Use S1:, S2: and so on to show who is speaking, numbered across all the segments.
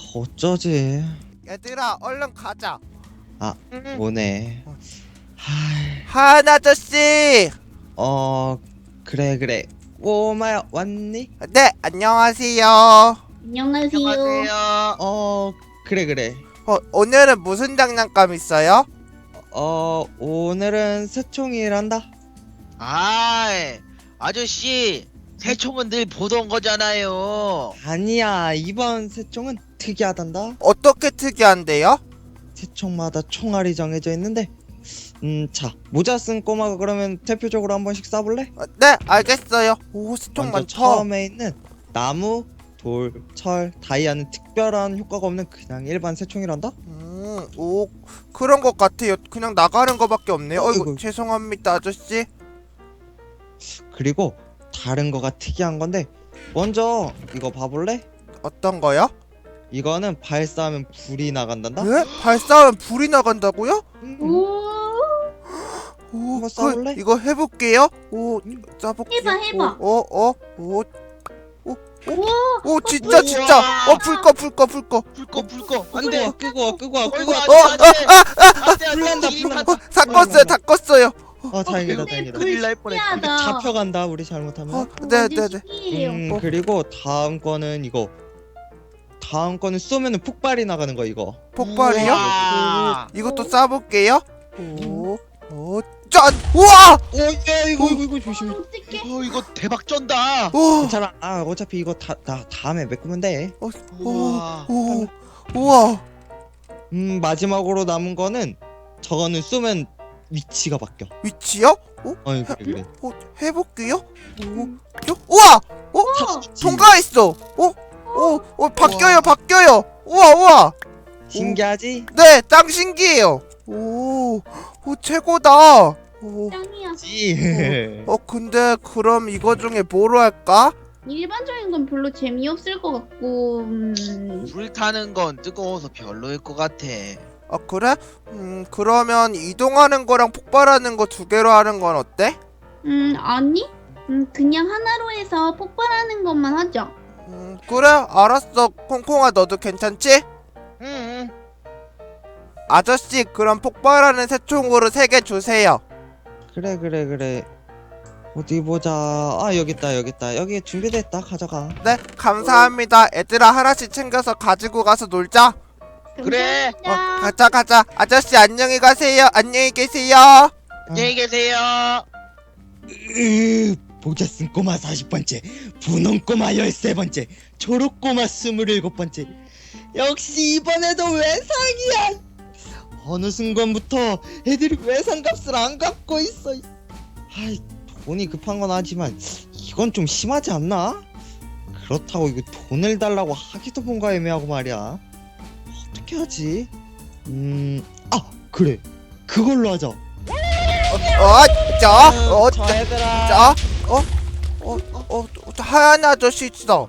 S1: 어쩌지?
S2: 얘들아 얼른 가자.
S1: 아, 뭐네.
S2: 하은 아저씨.
S1: 그래. 꼬마야, 왔니?
S2: 네, 안녕하세요.
S3: 안녕하세요.
S4: 안녕하세요.
S1: 그래.
S2: 오늘은 무슨 장난감 있어요?
S1: 오늘은 새총이란다.
S4: 아저씨, 새총은 늘 보던 거잖아요.
S1: 아니야, 이번 새총은 특이하단다.
S2: 어떻게 특이한데요?
S1: 새총마다 총알이 정해져 있는데, 자, 모자 쓴 꼬마가 그러면 대표적으로 한 번씩 쏴볼래?
S2: 네, 알겠어요. 오, 스톤
S1: 먼저
S2: 많다.
S1: 처음에 있는 나무, 돌, 철, 다이아는 특별한 효과가 없는 그냥 일반 새총이란다.
S2: 오, 그런 것 같아요. 그냥 나가는 거밖에 없네요. 어이구,
S1: 어이구.
S2: 죄송합니다, 아저씨.
S1: 그리고 다른 거가 특이한 건데, 먼저 이거 봐볼래?
S2: 어떤 거요?
S1: 이거는 발사하면 불이 나간단다.
S2: 네? 발사하면 불이 나간다고요?
S3: 오,
S2: 오,
S1: 한번 쏴볼래?
S2: 이거 해볼게요. 오, 쏴볼게요.
S3: 해봐.
S2: 오,
S3: 우와,
S2: 진짜. 불 꺼.
S4: 불꺼.
S1: 안돼, 끄고 와. 불난다.
S2: 다 껐어요.
S1: 다행이다.
S4: 큰일 날 뻔했다.
S3: 신기하다.
S1: 잡혀간다 우리 잘못하면.
S2: 네.
S3: 신기해요.
S1: 그리고 다음 거는 이거. 다음 거는 쏘면은 폭발이 나가는 거 이거.
S2: 폭발이요?
S4: 우와.
S2: 이것도 쏴볼게요. 오, 짠! 우와!
S1: 이거 조심해.
S3: 어떡해.
S4: 이거 대박 쩐다.
S2: 오,
S1: 괜찮아. 어차피 이거 다음에 메꾸면 돼.
S4: 우와.
S2: 우와.
S1: 마지막으로 남은 거는 저거는 쏘면 위치가 바뀌어.
S2: 위치요?
S1: 그래.
S2: 해볼게요. 우와!
S1: 탑이지.
S2: 통과했어. 바뀌어요. 우와.
S1: 신기하지?
S2: 네, 짱 신기해요. 오, 최고다.
S3: 짱이야.
S2: 근데 그럼 이거 중에 뭐로 할까?
S3: 일반적인 건 별로 재미없을 것 같고,
S4: 불 타는 건 뜨거워서 별로일 것 같아.
S2: 그래? 그러면 이동하는 거랑 폭발하는 거 두 개로 하는 건 어때?
S3: 아니? 그냥 하나로 해서 폭발하는 것만 하자.
S2: 그래, 알았어. 콩콩아, 너도 괜찮지?
S4: 응.
S2: 아저씨, 그럼 폭발하는 새총으로 3개 주세요.
S1: 그래. 어디 보자. 여기 있다. 여기 준비됐다. 가져가.
S2: 네, 감사합니다. 애들아, 하나씩 챙겨서 가지고 가서 놀자.
S4: 그래.
S3: 감사합니다.
S2: 가자. 아저씨, 안녕히 가세요. 안녕히 계세요.
S4: 안녕히 계세요.
S1: 모자 쓴 꼬마 40번째, 분홍 꼬마 13번째, 초록 꼬마 27번째. 역시 이번에도 외상이야. 어느 순간부터 애들이 외상값을 안 갚고 있어. 돈이 급한 건 하지만 이건 좀 심하지 않나? 그렇다고 이거 돈을 달라고 하기도 뭔가 애매하고 말이야. 어떻게 하지? 그래, 그걸로 하자.
S2: 자,
S1: 얘들아.
S2: 하얀 아저씨 있어.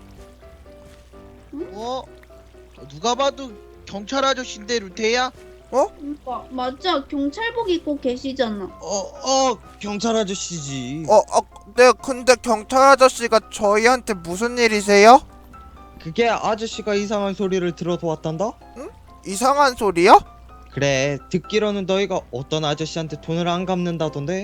S4: 누가 봐도 경찰 아저씨인데 루테야?
S3: 맞아. 경찰복 입고 계시잖아.
S1: 경찰 아저씨지.
S2: 네, 근데 경찰 아저씨가 저희한테 무슨 일이세요?
S1: 그게 아저씨가 이상한 소리를 들어서 왔단다?
S2: 이상한 소리요?
S1: 그래, 듣기로는 너희가 어떤 아저씨한테 돈을 안 갚는다던데?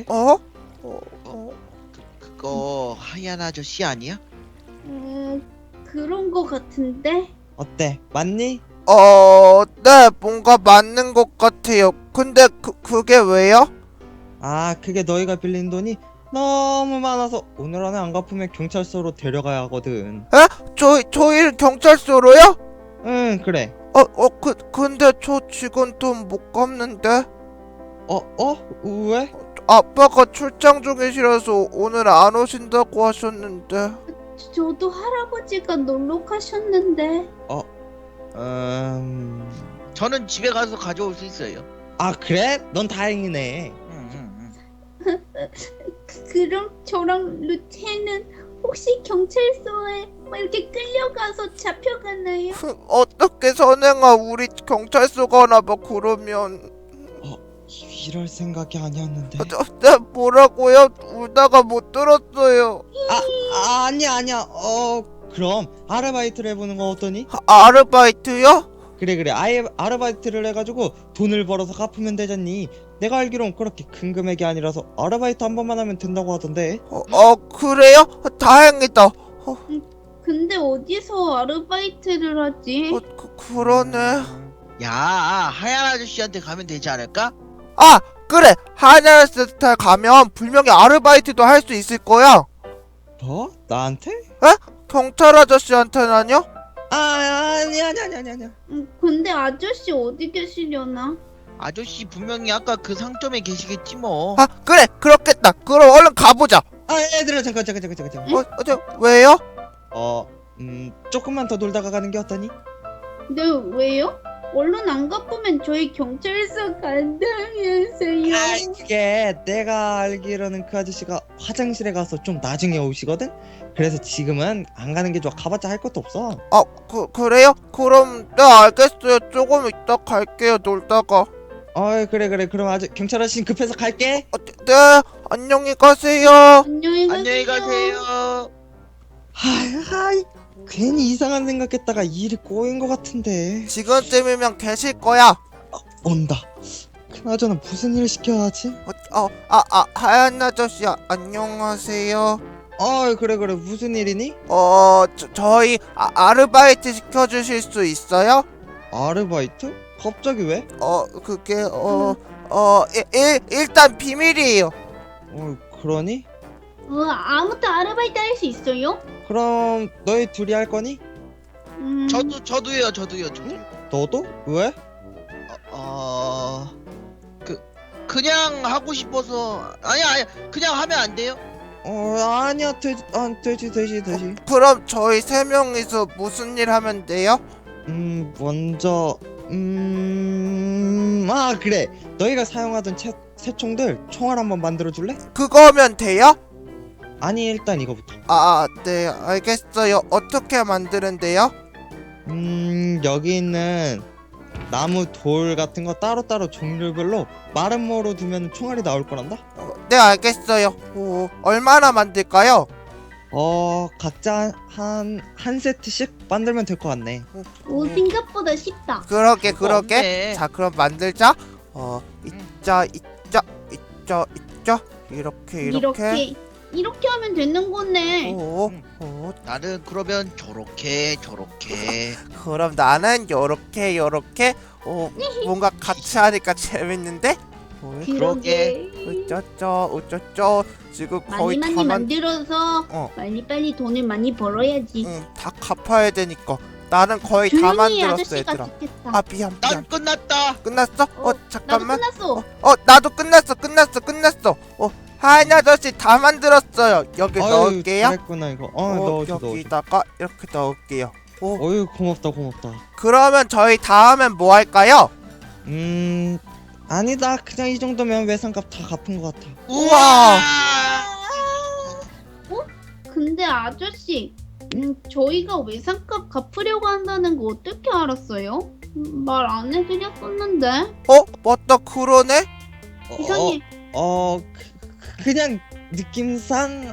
S4: 그거 하얀 아저씨 아니야?
S3: 그런 거 같은데?
S1: 어때? 맞니?
S2: 네, 뭔가 맞는 것 같아요. 근데 그게 왜요?
S1: 그게 너희가 빌린 돈이 너무 많아서 오늘 안에 안 갚으면 경찰서로 데려가야 하거든.
S2: 저희 경찰서로요?
S1: 응, 그래.
S2: 근데 저 지금 돈 못 갚는데?
S1: 왜?
S2: 아빠가 출장 중이시라서 오늘 안 오신다고 하셨는데.
S3: 저도 할아버지가 놀러 가셨는데.
S4: 저는 집에 가서 가져올 수 있어요.
S1: 그래? 넌 다행이네.
S3: 그럼 저랑 루테는 혹시 경찰서에 이렇게 끌려가서 잡혀가나요?
S2: 어떻게 선행아, 우리 경찰서 가나 봐. 그러면
S1: 이럴 생각이 아니었는데.
S2: 네, 뭐라고요? 울다가 못 들었어요.
S1: 아니야. 그럼 아르바이트를 해보는 거 어떠니?
S2: 아르바이트요?
S1: 그래 아예 아르바이트를 해가지고 돈을 벌어서 갚으면 되잖니. 내가 알기론 그렇게 큰 금액이 아니라서 아르바이트 한 번만 하면 된다고 하던데.
S2: 그래요? 다행이다.
S3: 근데 어디서 아르바이트를 하지?
S2: 그러네.
S4: 야, 하얀 아저씨한테 가면 되지 않을까?
S2: 아, 그래. 하이나스타 가면 분명히 아르바이트도 할 수 있을 거야.
S1: 뭐? 나한테?
S2: 경찰 아저씨한테는요?
S1: 아니야.
S3: 근데 아저씨 어디 계시려나?
S4: 아저씨 분명히 아까 그 상점에 계시겠지 뭐.
S2: 아, 그래. 그렇겠다. 그럼 얼른 가보자.
S1: 얘들아 잠깐.
S2: 왜요?
S1: 조금만 더 놀다가 가는 게 어떠니?
S3: 네, 왜요? 얼른 안 갚으면 저희 경찰서 간다면서요.
S1: 그게 내가 알기로는 그 아저씨가 화장실에 가서 좀 나중에 오시거든? 그래서 지금은 안 가는 게 좋아. 가봤자 할 것도 없어.
S2: 그래요? 그럼 네, 알겠어요. 조금 이따 갈게요. 놀다가.
S1: 그래. 그럼 아주 경찰 아저씨 급해서 갈게.
S2: 네, 안녕히 가세요.
S3: 안녕히 가세요.
S4: 안녕히 가세요.
S1: 하이, 괜히 이상한 생각했다가 일이 꼬인 것 같은데.
S2: 지금쯤이면 계실 거야.
S1: 온다. 그나저나 무슨 일 시켜야 하지?
S2: 하얀 아저씨 안녕하세요.
S1: 그래. 무슨 일이니?
S2: 저희 아르바이트 시켜주실 수 있어요?
S1: 아르바이트? 갑자기 왜?
S2: 그게 일단 비밀이에요.
S1: 그러니?
S3: 아무튼 아르바이트 할 수 있어요?
S1: 그럼 너희 둘이 할 거니?
S4: 저도요.
S1: 너도? 왜?
S4: 그냥 하고 싶어서. 아니야. 그냥 하면 안 돼요?
S1: 아니야. 되지.
S2: 그럼 저희 세 명이서 무슨 일 하면 돼요?
S1: 먼저 그래. 너희가 사용하던 새총들 총알 한번 만들어 줄래?
S2: 그거면 돼요?
S1: 아니, 일단 이거부터.
S2: 네, 알겠어요. 어떻게 만드는데요?
S1: 여기 있는 나무, 돌 같은 거 따로따로 종류별로 마른 모로 두면 총알이 나올 거란다?
S2: 네, 알겠어요. 얼마나 만들까요?
S1: 각자 한 세트씩 만들면 될 것 같네.
S3: 생각보다 쉽다.
S2: 그러게.
S4: 없네.
S2: 자, 그럼 만들자. 있자.
S3: 이렇게 하면 되는 거네.
S4: 나는 그러면 저렇게.
S2: 그럼 나는 요렇게. 뭔가 같이 하니까 재밌는데?
S4: 그러게.
S2: 어쩌쩌. 지금 거의
S3: 많이
S2: 다
S3: 만들어서 빨리 돈을 많이 벌어야지.
S2: 다 갚아야 되니까. 나는 거의 다
S3: 조용히
S2: 만들었어,
S3: 아저씨가
S2: 얘들아.
S3: 좋겠다.
S2: 미안.
S4: 난 끝났다.
S2: 끝났어? 잠깐만.
S3: 나도 끝났어.
S2: 나도 끝났어. 하얀 아저씨 다 만들었어요. 여기 넣을게요.
S1: 잘했구나 이거. 넣어줘.
S2: 여기다가 이렇게 넣을게요.
S1: 고맙다.
S2: 그러면 저희 다음엔 뭐 할까요?
S1: 아니다. 그냥 이 정도면 외상값 다 갚은 것 같아.
S2: 우와.
S3: 근데 아저씨, 저희가 외상값 갚으려고 한다는 거 어떻게 알았어요? 말 안 해드렸었는데.
S2: 맞다. 그러네.
S3: 이상해.
S1: 그냥 느낌상.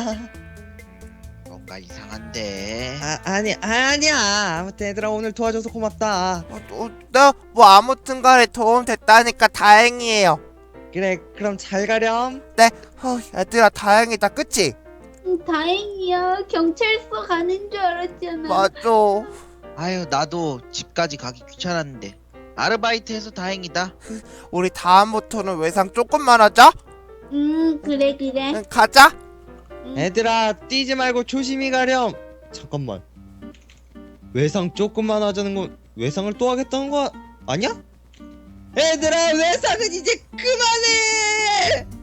S4: 뭔가 이상한데.
S1: 아니야. 아무튼 얘들아 오늘 도와줘서 고맙다.
S2: 네, 뭐 아무튼간에 도움 됐다니까 다행이에요.
S1: 그래, 그럼 잘 가렴.
S2: 얘들아 다행이다, 그치?
S3: 다행이야. 경찰서 가는 줄 알았잖아.
S2: 맞아.
S4: 아유, 나도 집까지 가기 귀찮았는데 아르바이트해서 다행이다.
S2: 우리 다음부터는 외상 조금만 하자.
S3: 그래.
S2: 가자.
S1: 얘들아 뛰지 말고 조심히 가렴. 잠깐만, 외상 조금만 하자는 건 외상을 또 하겠다는 거 아니야? 얘들아 외상은 이제 그만해.